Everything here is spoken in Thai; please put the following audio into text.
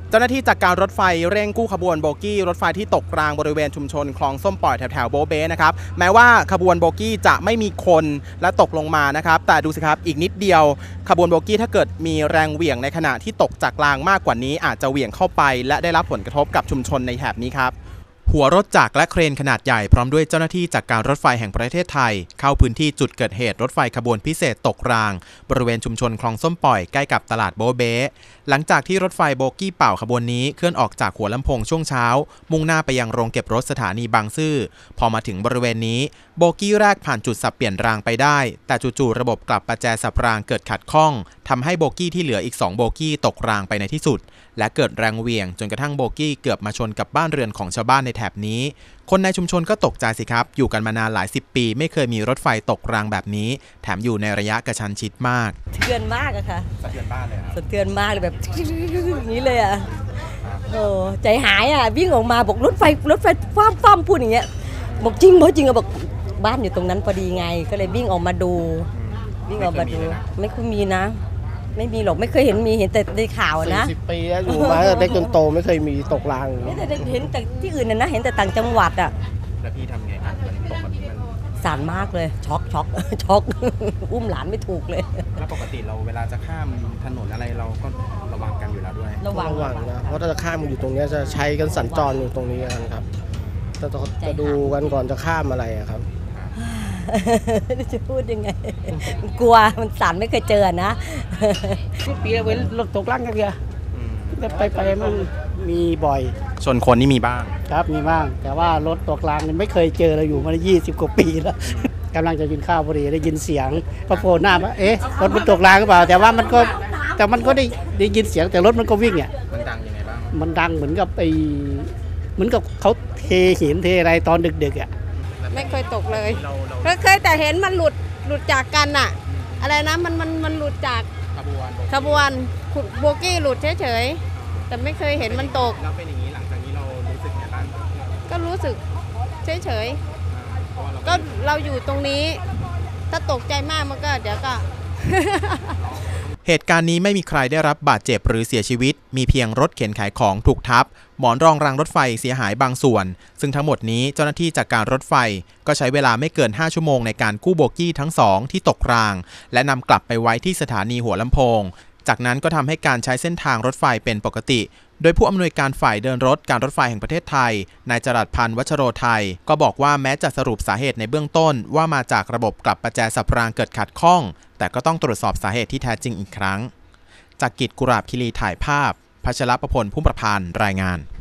เจ้าหน้าที่จากการรถไฟเร่งกู้ขบวนโบกี้รถไฟที่ตกรางบริเวณชุมชนคลองส้มปล่อยแถวโบเบ้นะครับแม้ว่าขบวนโบกี้จะไม่มีคนและตกลงมานะครับแต่ดูสิครับอีกนิดเดียวขบวนโบกี้ถ้าเกิดมีแรงเหวี่ยงในขณะที่ตกจากรางมากกว่านี้อาจจะเหวี่ยงเข้าไปและได้รับผลกระทบกับชุมชนในแถบนี้ครับหัวรถจักรและเครนขนาดใหญ่พร้อมด้วยเจ้าหน้าที่จากการรถไฟแห่งประเทศไทยเข้าพื้นที่จุดเกิดเหตุรถไฟขบวนพิเศษตกรางบริเวณชุมชนคลองส้มปล่อยใกล้กับตลาดโบเบ้หลังจากที่รถไฟโบกี้เป่าขบวนนี้เคลื่อนออกจากหัวลำโพงช่วงเช้ามุ่งหน้าไปยังโรงเก็บรถสถานีบางซื่อพอมาถึงบริเวณนี้โบกี้แรกผ่านจุดสับเปลี่ยนรางไปได้แต่จู่ๆระบบกลับประแจสับรางเกิดขัดข้องทำให้โบกี้ที่เหลืออีก2โบกี้ตกรางไปในที่สุดและเกิดแรงเหวี่ยงจนกระทั่งโบกี้เกือบมาชนกับบ้านเรือนของชาวบ้านในแถบนี้คนในชุมชนก็ตกใจสิครับอยู่กันมานานหลาย10 ปีไม่เคยมีรถไฟตกรางแบบนี้แถมอยู่ในระยะกระชั้นชิดมากสะเทือนมากอะค่ะสะเทือนบ้านเลยสะเทือนมากเลยแบบอย่างนี้เลยอะโอ้ใจหายอะวิ่งออกมาบอกรถไฟฟ้ามพูดอย่างเงี้ยบอกจริงอะบอกบ้านอยู่ตรงนั้นพอดีไงก็เลยวิ่งออกมาดูไม่ค่อยมีนะไม่มีหรอกไม่เคยเห็นแต่ในข่าวนะ 40 ปีแล้วอยู่มาเด็กจนโตไม่เคยมีตกรางไม่แต่เห็นแต่ที่อื่นนะเห็นแต่ต่างจังหวัดอะแล้วพี่ทำไงครับตกแบบนี้มันสั่นมากเลยช็อกอุ้มหลานไม่ถูกเลยแล้วปกติเราเวลาจะข้ามถนนอะไรเราก็ระวังกันอยู่แล้วด้วยระวังนะเพราะถ้าจะข้ามอยู่ตรงนี้จะใช้กันสัญจรอยู่ตรงนี้กันครับจะดูกันก่อนจะข้ามอะไรครับจะพูดยังไงกลัวมันสั่นไม่เคยเจอนะทุกปีเว้นรถตกรางกันเดียวไปมันมีบ่อยชนคนนี่มีบ้างครับมีบ้างแต่ว่ารถตกรางไม่เคยเจอเราอยู่มา20 กว่าปีแล้วกำลังจะกินข้าวพอดีได้ยินเสียงพอโผล่หน้าว่าเอ๊ะรถมันตกรางหรือเปล่าแต่มันก็ได้ยินเสียงแต่รถมันก็วิ่งเนี่ยมันดังยังไงบ้างมันดังเหมือนกับเขาเทหินเทอะไรตอนดึกๆอ่ะไม่เคยตกเลยเคยแต่เห็นมันหลุดจากกันอะอะไรนะมันหลุดจากขบวนโบกี้หลุดเฉยๆแต่ไม่เคยเห็นมันตกแล้วเป็นอย่างนี้หลังจากนี้เรารู้สึกไงบ้างก็รู้สึกเฉยๆก็เราอยู่ตรงนี้ถ้าตกใจมากมันก็เดี๋ยวก็เหตุการณ์นี้ไม่มีใครได้รับบาดเจ็บหรือเสียชีวิตมีเพียงรถเข็นขายของถูกทับหมอนรองรางรถไฟเสียหายบางส่วนซึ่งทั้งหมดนี้เจ้าหน้าที่จากการรถไฟก็ใช้เวลาไม่เกิน5 ชั่วโมงในการกู้โบกี้ทั้ง2ที่ตกรางและนำกลับไปไว้ที่สถานีหัวลำโพงจากนั้นก็ทำให้การใช้เส้นทางรถไฟเป็นปกติโดยผู้อำนวยการฝ่ายเดินรถการรถไฟแห่งประเทศไทยนายจรัสพันธ์วัชโรไทยก็บอกว่าแม้จะสรุปสาเหตุในเบื้องต้นว่ามาจากระบบกลับประแจสับรางเกิดขัดข้องแต่ก็ต้องตรวจสอบสาเหตุที่แท้จริงอีกครั้งจากกิจกุราบคิรีถ่ายภาพพัชรประพล พุ่มประพันธ์รายงาน